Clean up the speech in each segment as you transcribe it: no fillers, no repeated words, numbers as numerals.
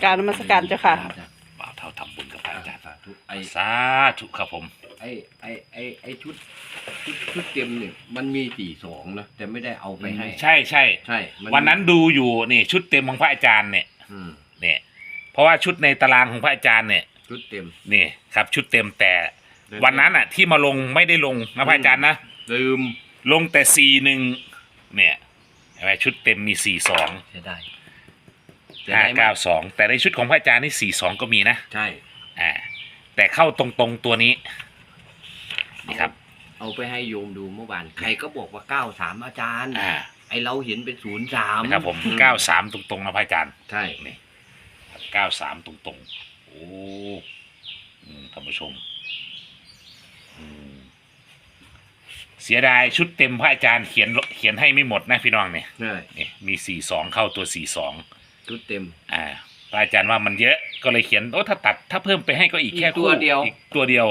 กรารนมัสการเจ้าค่ะบ่าวเท่าทำบุญกับพระอาจารย์สาธุสาธุครับผมไอ้ชุดเต็มเนี่ยมันมี42นะแต่ไม่ได้เอาไปให้ใช่ใช่ใช่มัวันนั้นดูอยู่นี่ชุดเต็มของพระอาจารย์เนี่ยอืมเนี่ยเพราะว่าชุดในตารางของพระอาจารย์เนี่ยชุดเต็มนี่ครับชุดเต็มแต่วันนั้นอ่ะที่มาลงไม่ได้ลงนะพระอาจารย์นะลืมลงแต่41เนี่ยเห็นไหมชุดเต็มมี42 เสียดาย 592แต่ในชุดของพระอาจารย์นี่42ก็มีนะใช่แต่เข้าตรงๆตัวนี้นี่ครับเอาไปให้โยมดูเมื่อวานใครก็บอกว่า93อาจารย์อ่าไอเราเห็นเป็น03 นะครับผม93ตรงๆนะพระอาจารย์ใช่นี่93ตรงๆโอ้ท่านผู้ชมเสียดายชุดเต็มพระอาจารย์เขียนให้ไม่หมดนะพี่น้องเนี่ยใช่นี่มี42เข้าตัว42 ชุดเต็มพระอาจารย์ว่ามันเยอะก็เลยเขียนโอ้ถ้าเพิ่มไปให้ก็อีกแค่อีกตัวเดียวอีกตัวเดียว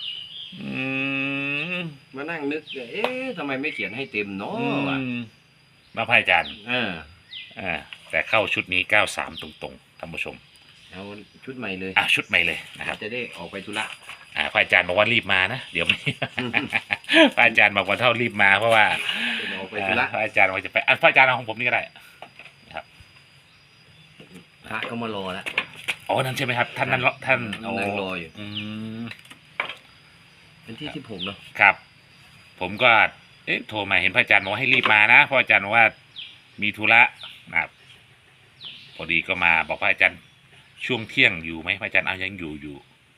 มานั่งนึกเอ๊ะทำไมไม่เขียนให้เต็มเนาะวะมาพระอาจารย์เออแต่เข้าชุดนี้93ตรงๆท่านผู้ชมเอาชุดใหม่เลยชุดใหม่เลยนะครับจะได้ออกไปธุระพระอาจารย์บอกว่ารีบมานะเดี๋ยวไม่ พระอาจารย์บอกว่าเท่ารีบมาเพราะว่าจะออกไปธุระพระอาจารย์ว่าจะไปพระอาจารย์เอาของผมนี่ก็ได้ครับพระก็มารอแล้วอ๋อนั่นใช่ไหมครับท่านนั่นท่านนั่งรออยู่มเป็นที่16เนาะครับ ผมก็โทรมาเห็นพระอาจารย์บอกว่าให้รีบมานะเพราะอาจารย์บอกว่ามีธุระนะครับพอดีก็มาบอกพระอาจารย์ช่วงเที่ยงอยู่ไหมพระอาจารย์เอายังอยู่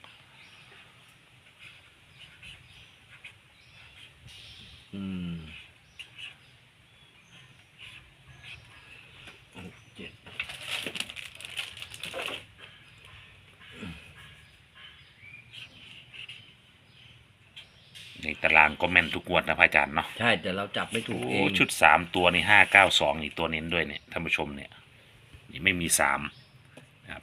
อืม7 ในตารางก็แม่นทุกงวดนะพระอาจารย์เนาะใช่แต่เราจับไม่ถูกเอโอ้งชุด3ตัวนี่592นี่ตัวเน้นด้วยเนี่ยท่านผู้ชมเนี่ยนี่ไม่มี3นะครับ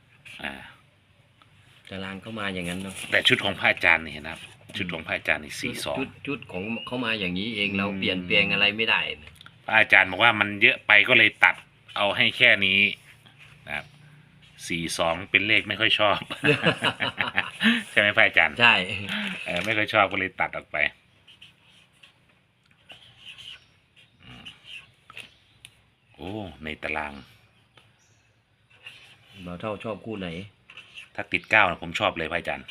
ตารางเข้ามาอย่างนั้นเนาะแต่ชุดของพระอาจารย์นี่นะครับชุดของพระอาจารย์นี่ชุดของเขามาอย่างนี้เองเราอืมเปลี่ยนแปลงอะไรไม่ได้นะ 42พระอาจารย์บอกว่ามันเยอะไปก็เลยตัดเอาให้แค่นี้นะครับ42เป็นเลขไม่ค่อยชอบ ใช่ไหมพระอาจารย์ใช่ไม่ค่อยชอบก็เลยตัดออกไปโอ้ในตารางเราเท่าชอบคู่ไหนถ้าติด9นะผมชอบเลยพระอาจารย์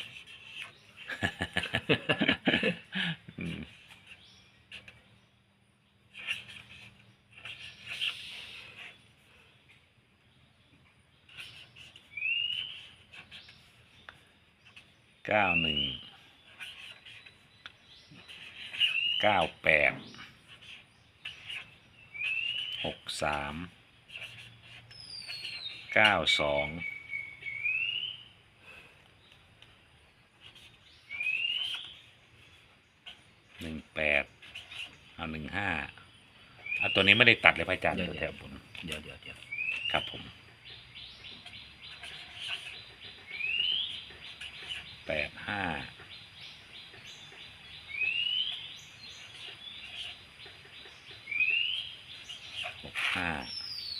18เอา15ตัวนี้ไม่ได้ตัดเลยพระอาจารย์แถวบนเดี๋ยวครับผม85 65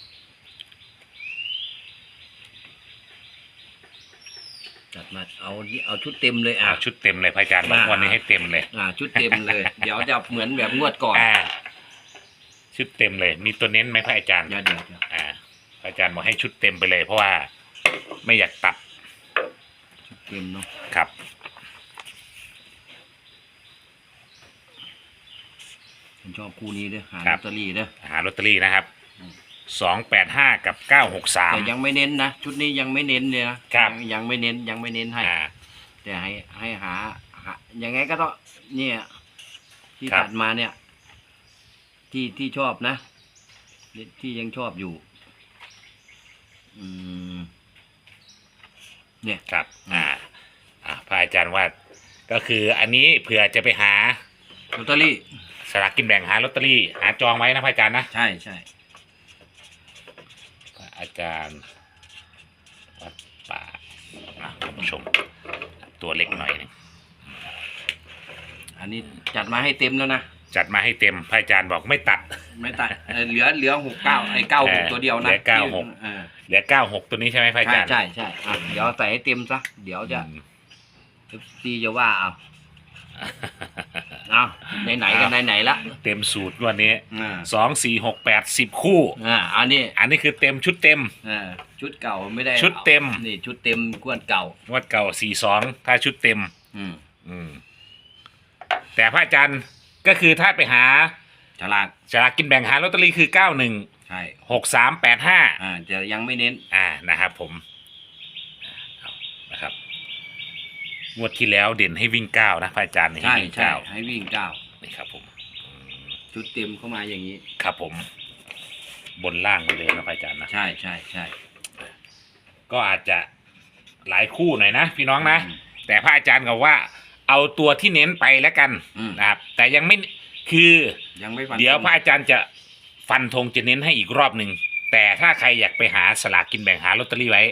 จัดมาเอาชุดเต็มเลยชุดเต็มเลยพระอาจารย์บางวันนี้ให้เต็มเลยชุดเต็มเลย เดี๋ยวจะเหมือนแบบงวดก่อนชุดเต็มเลยมีตัวเน้นไหมพระอาจารย์เดี๋ยวพระอาจารย์บอกให้ชุดเต็มไปเลยเพราะว่าไม่อยากตัดชุดเต็มเนาะครับผมชอบคู่นี้ด้วยหาคลรัอบ ตเตอรี่ด้วยหาลอตเตอรี่นะครับ285กับ963 แต่ยังไม่เน้นนะชุดนี้ยังไม่เน้นเลยนะครับ ยังไม่เน้นให้แต่ให้หายังไงก็ต้องเนี่ยที่ครับตัดมาเนี่ย ที่ชอบนะที่ยังชอบอยู่ เนี่ยครับพระอาจารย์ว่าก็คืออันนี้เผื่อจะไปหาลอตเตอรี่สลากกินแบ่งหาลอตเตอรี่หาจองไว้นะพระอาจารย์นะใช่พระอาจารย์วัดป่าท่านผู้ชม ตัวเล็กหน่อยนึงอันนี้จัดมาให้เต็มแล้วนะจัดมาให้เต็มพระอาจารย์บอกไม่ตัดไม่ตัดเหลือ69ไอ้96ตัวเดียวนะเหลือ96 เออเหลือ96ตัวนี้ใช่ไหมพระอาใช่จารย์ใช่ใช่อ่ะเดี๋ยวใส่ให้เต็มซะเดี๋ยวจะ ซีจะว่าเอาไหนๆกันไหนๆละเต็มสูตรงวันนี้อ่า 2 4 6 8 10 คู่อันนี้อันนี้คือเต็มชุดเต็มชุดเก่าไม่ได้ชุดเต็มนี่ชุดเต็มกวนเก่างวดเก่า42ถ้าชุดเต็มอืมอืมแต่พระอาจารย์ก็คือถ้าไปหาฉลากฉลากกินแบ่งหาลอตเตอรี่คือ91 ใช่ 6385 จะยังไม่เน้นนะครับผมนะครับงวดที่แล้วเด่นให้วิ่ง9นะพระอาจารย์ให้ใช่วิ่งใช่ 9 ให้วิ่งเก้านี่ครับผมอืมชุดเต็มเข้ามาอย่างนี้ครับผม บนล่างไปเลยนะพระอาจารย์นะใช่ใช่ใช่ก็อาจจะหลายคู่หน่อยนะพี่น้องนะอืมแต่พระอาจารย์ก็ว่า เอาตัวที่เน้นไปแล้วกันอืมนะครับ แต่ยังไม่คือยังไม่ฟันเดี๋ยวธงพระอาจารย์จะฟันธงจะเน้นให้อีกรอบหนึ่งแต่ถ้าใครอยากไปหาสลากกินแบ่งหาลอตเตอรี่ไว้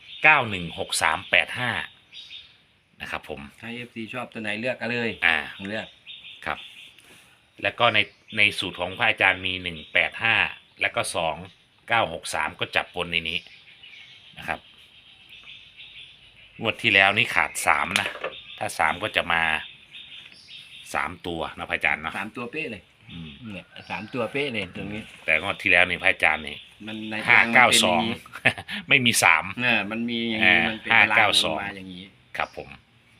916385นะครับผมถ้า FC ชอบตัวไหนเลือกกันเลย เลือกครับ แล้วก็ในสูตรของพระอาจารย์มี185แล้วก็2963ก็จับบนในนี้นะครับงวดที่แล้วนี่ขาด3นะถ้า3ก็จะมา3ตัวนะพระอาจารย์เนาะ 3 ตัวเป๊ะเลยอืมเนี่ย3 ตัวเป๊ะเลยตรงนี้แต่งวดที่แล้วนี่พระอาจารย์นี่มันใน 592 ไม่มี3 เนี่ยมันมีอย่างนี้มันเป็นตารางลงมาอย่างนี้ครับผม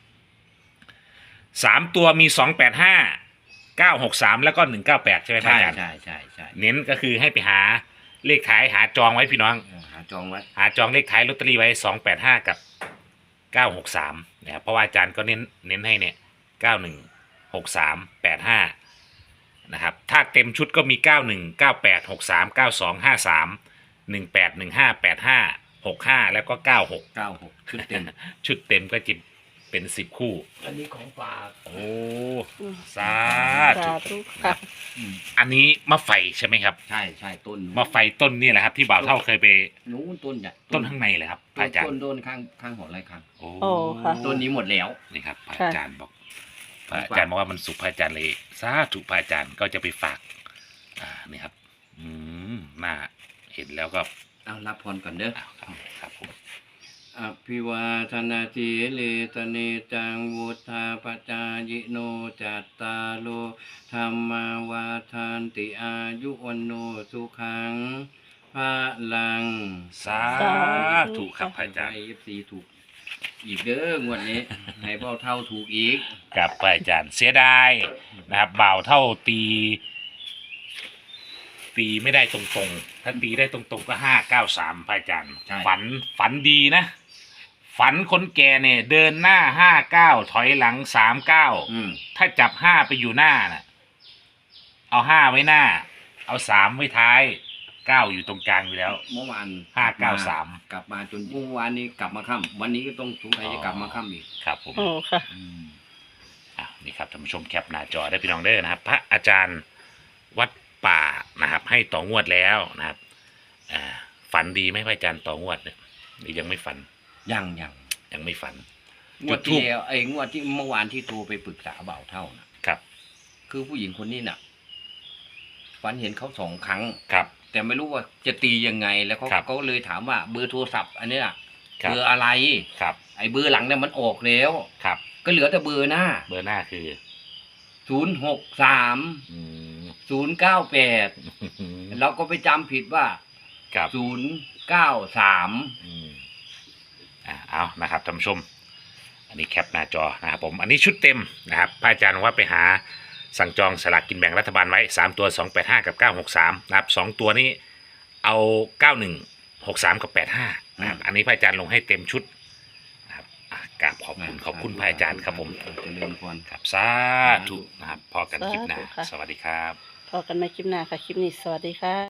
3ตัวมี285 963แล้วก็198ใช่ไหมพระใช่อาจารย์ใช่ใช่ใช่เน้นก็คือให้ไปหาเลขท้ายหาจองไว้พี่น้องหาจองไว้หาจองเลขท้ายลอตเตอรี่ไว้285กับ963นะครับเพราะว่าอาจารย์ก็เน้นให้เนี่ย916385นะครับถ้าเต็มชุดก็มี91 98 63 92 53 18 15 85 65แล้วก็96 96ชุดเต็มชุดเต็มก็จะเป็น10คู่อันนี้ของฝากโอ้สาสาธุธุค่ะอันนี้มะไฟใช่ไหมครับใช่ใช่ต้นมะไฟต้นนี่แหละครับ ที่บ่าวเท่าเคยไปนู้นต้นใหญ่ต้นข้างในเลยครับพระอาจารย์ต้นข้างหอไรครับโอ้โอ้ค่ะต้นนี้หมดแล้วนี่ครับพระค่ะอาจารย์บอกพระอาจารย์บอกว่ามันสุขพระอาจารย์เลยสาธุพระอาจารย์ก็จะไปฝากนี่ครับ น่าเห็นแล้วก็เอารับพรก่อนเด้อครับผมอภิวาทนาทีเลตเนจังวุธาปจายโนจัตตาโลธรรมาวาทานติอายุวันโนสุขังพระลังสาธุครับพระอาจารย์ให้ FC ถูกอีกเด้องวดนี้ ให้เบ้าเท่าถูกอีกกับพระอาจารย์เสียดายนะครับบ่าวเท่าตีไม่ได้ตรงๆถ้าตีได้ตรงๆก็593พระอาจารย์ใช่ฝันดีนะ ฝันคนแก่เนี่ย เดินหน้า59ถอยหลัง39ถ้าจับ5ไปอยู่หน้าน่ะเอา5ไว้หน้า เอา3ไว้ท้าย9อยู่ตรงกลางอยู่แล้วเมื่อวาน 593 กลับมาจนเมื่อวานนี้กลับมาค่ำวันนี้ก็ต้องสงสัยจะกลับมาค่ำอีกครับผมโอ้ค่ะนี่ครับท่านผู้ชมแคปหน้าจอได้พี่น้องเด้อนะครับ พระอาจารย์วัดป่านะครับ ให้ต่องวดแล้วนะครับฝันดีไหมพระอาจารย์ต่องวดเนี่ยหรือยังไม่ฝันยังยังไม่ฝันงวดที่แล้วงวดที่เมื่อวานที่โทรไปปรึกษาบ่าวเท่านะครับ คือผู้หญิงคนนี้น่ะฝันเห็นเขา2 ครั้งครับแต่ไม่รู้ว่าจะตียังไงแล้วเขาครับก็เลยถามว่าเบอร์โทรศัพท์อันเนี้ยครับเบอร์อะไรครับไอ้เบอร์หลังเนี่ยมันออกแล้วครับก็เหลือแต่เบอร์หน้าเบอร์หน้าคือ 063 อืม 098เราก็ไปจำผิดว่าครับ 093 อืมเอานะครับท่านผู้ชม อันนี้แคปหน้าจอนะครับผมอันนี้ชุดเต็มนะครับพระอาจารย์บอกว่าไปหาสั่งจองสลากกินแบ่งรัฐบาลไว้3ตัว285กับ963นะครับ2ตัวนี้เอา91 63กับ85นะครับอันนี้พระอาจารย์ลงให้เต็มชุดนะครับกราบขอบคุณพระอาจารย์ครับผมเจริญพรครับสาธุนะครับพอกันคลิปหน้าสาธุค่ะสวัสดีครับพอกันในคลิปหน้าค่ะ คลิปนี้สวัสดีค่ะ